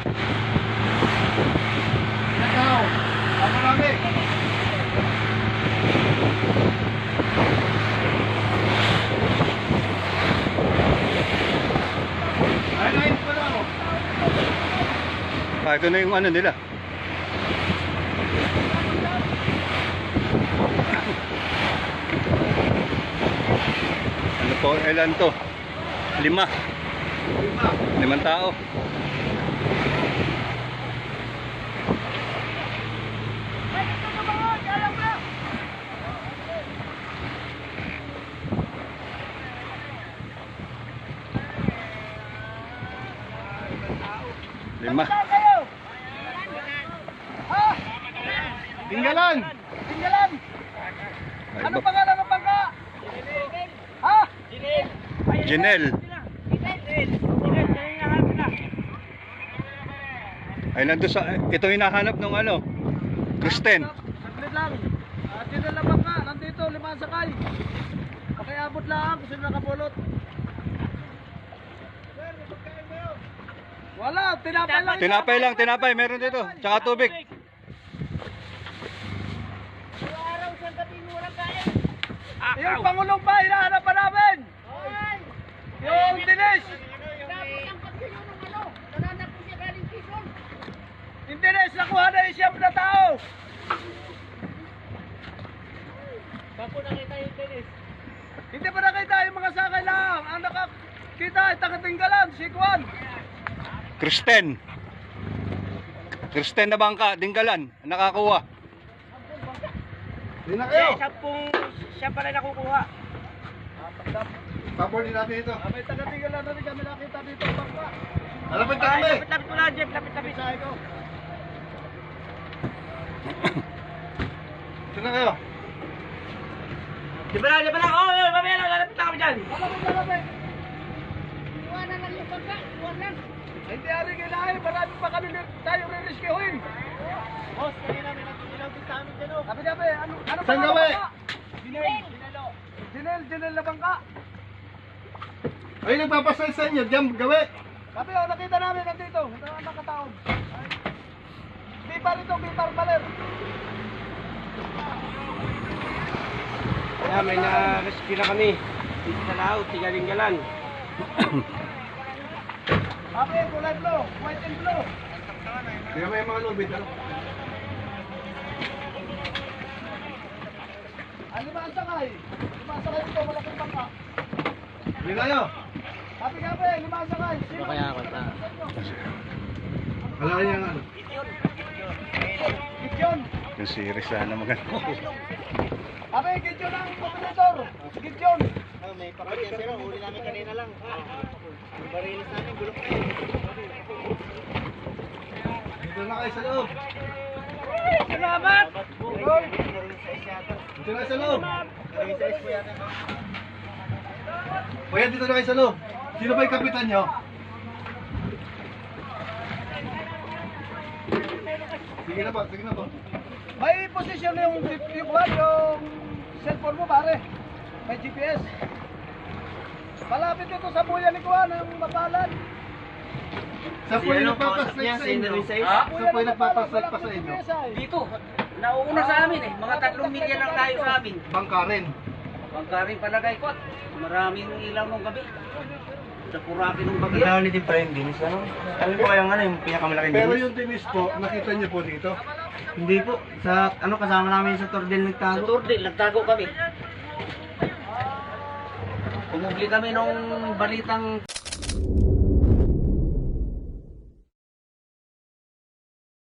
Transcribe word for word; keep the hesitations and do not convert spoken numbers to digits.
Ikaw, ako namin. Ay, nais pa lang ako. Ah, ito na yung ano nila. Ano po, ilan to? Lima. Lima. Limang tao. Lima. Tinggalan. Tinggalan. Ay, Ano ba- pangalan ng bangka? Ha? Janelle. Ay, nandun sa, ito hinahanap ng ano, Kristen. Saglit lang. At yun na bangka. Nandito, lima ang sakay. Pakiabot lang kung sino nakapulot. Wala, tinapay lang. Tinapay lang, tinapay, meron dito. Tsaka tubig. Yung Pangulong ba, hinahanap pa namin? Yung Dinis. Yung Dinis, nakuha na yung siyam na tao. Bapo nakita yung Dinis. Hindi pa nakita yung mga sakay lang. Ang nakakita ay taga-Tinggalan, si Juan. Kristen. Kristen na bangka, Dinggalan, nakakuha. Hindi na kayo. Siya pong, siya pala nakukuha. Papor din natin ito. Ah, may taga-Tinggalan na rin kami nakita dito ang bangka. Alapit Ay, lapit-lapit ko lang, Jeff, lapit-lapit. Sabi ko. Ito na kayo. Di ba lang, di ba lang? Oo, oh, mamaya lang, lalapit lang kami dyan. Alapit, alapit. Iwanan lang yung bangka, iwanan. Hindi ari kailangan, marami pa kami tayong re-rescuein. Boss, kanina may nagtitilaw din sa amin dyan, oh. Sabi sabi, ano, ano Saan pa gawi? Dinel. Dinel, Dinel na bangka. Ay, nagpapasay sa inyo, diyan gawi. Sabi oh, nakita namin nandito, ito ang nakataon. Bipar ito, bipar baler. Kaya may na-rescue na kami. Dito sa Lao, Tigaling-galan. Sabi, kulay blue, white and blue. Kaya may mga lubid, ano? Ah, lima ang sakay. Lima ang sakay ito, malaking bangka. Hindi kayo. Sabi sabi, lima ang sakay. Sino? kaya ako na? Wala niya ano. Gidyon. Yung series sana maganda. Sabi, Gidyon ang operator. Gidyon. May pakatyan pero huli namin kanina lang. Barilis namin, bulok na Dito na kayo sa loob. Salamat. Hoy. Dito na kayo sa loob. Kuya, dito na kayo sa loob. Sino ba yung kapitan nyo? Sige na po, sige na po. May posisyon yung yung kwan, yung cellphone mo pare. May G P S. Malapit dito sa buya ni Kuan ang Mapalan. Sa po yung nagpapaslike sa inyo. Ha? Sa po yung nagpapaslike pa sa inyo. Dito, nauuna sa amin eh. Mga tatlong milya lang tayo sa amin. Bangka rin. Pagkaring palagay ko, maraming ilaw nung gabi. Sa purapi nung bagyo. Reality pa rin dinis, ano? Ano po kayang ano, yung pinakamalaking Pero dinis? yung dinis po, nakita niyo po dito. Hindi po, sa ano kasama namin sa Tordel Sa nagtago. Turdil, nagtago kami. Pumubli kami nung balitang